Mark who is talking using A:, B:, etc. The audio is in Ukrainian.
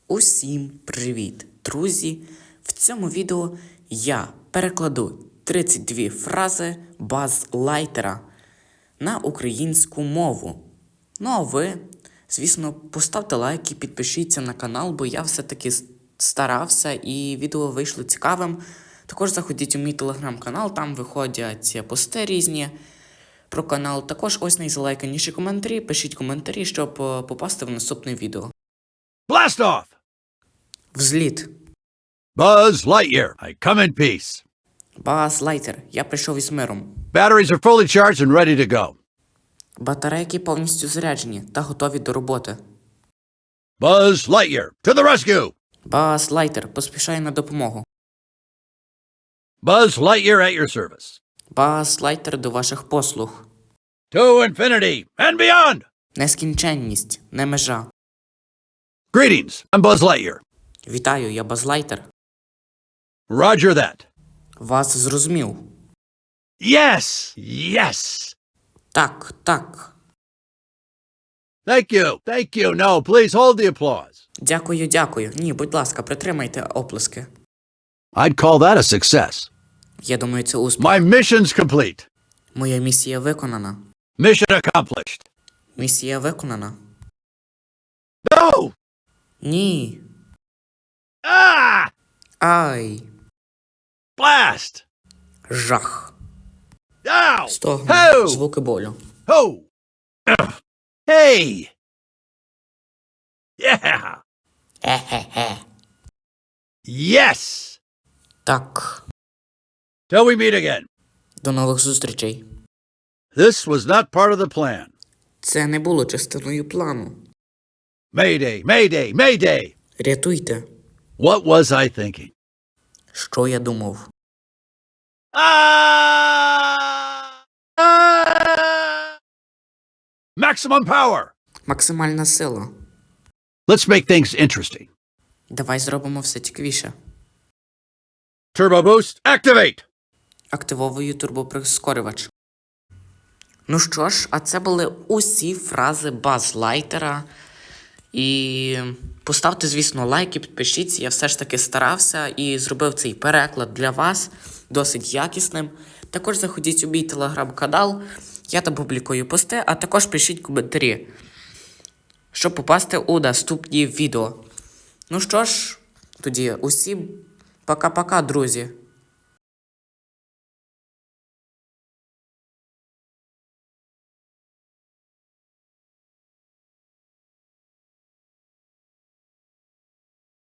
A: Усім привіт, друзі! В цьому відео я перекладу 32 фрази Базз-Лайтера на українську мову. Ну а ви, звісно, поставте лайк і підпишіться на канал, бо я все-таки старався і відео вийшло цікавим. Також заходіть у мій телеграм-канал, там виходять пости різні про канал. Також ось найзалайканіші коментарі, пишіть коментарі, щоб попасти в наступне відео.
B: Blast off!
A: Взліт.
B: Buzz Lightyear, I come in peace.
A: Базз-Лайтер, я прийшов із миром.
B: Batteries are fully charged and ready to go.
A: Батарейки повністю заряджені та готові до роботи.
B: Buzz Lightyear, to the rescue!
A: Базз-Лайтер поспішає на допомогу.
B: Buzz Lightyear at your service.
A: Базз-Лайтер до ваших послуг.
B: To infinity and beyond!
A: Нескінченність, не межа.
B: Greetings, I'm Buzz Lightyear.
A: Вітаю, я Базз-Лайтер.
B: Roger that.
A: Вас зрозумів.
B: Yes! Yes!
A: Так, так.
B: Thank you. Thank you. No, please hold the applause.
A: Дякую, дякую. Ні, будь ласка, притримайте оплески.
B: I'd call that a success.
A: Я думаю, це успіх.
B: My mission's complete.
A: Моя місія виконана.
B: Mission accomplished.
A: Місія виконана.
B: No!
A: Ні.
B: Ah!
A: Ай.
B: Blast!
A: Жах.
B: Ow!
A: Стогн.
B: Ho!
A: Звуки болю.
B: Ho! Hey! Yeah!
A: Е-хе-хе.
B: Yes!
A: Так.
B: Till we meet again.
A: До нових зустрічей.
B: This was not part of the plan.
A: Це не було частиною плану.
B: Mayday! Mayday! Mayday!
A: Рятуйте.
B: What was I thinking?
A: Що я думав?
B: Maximum power!
A: Максимальна сила.
B: Let's make things interesting.
A: Давай зробимо все цікавіше.
B: Turbo boost, activate!
A: Активовую турбоприскорювач. Ну що ж, а це були усі фрази Базз-Лайтера. І поставте, звісно, лайк і підпишіться. Я все ж таки старався і зробив цей переклад для вас досить якісним. Також заходіть у мій телеграм-канал, я там публікую пости, а також пишіть коментарі, щоб попасти у наступні відео. Ну що ж, тоді усім пока-пока, друзі.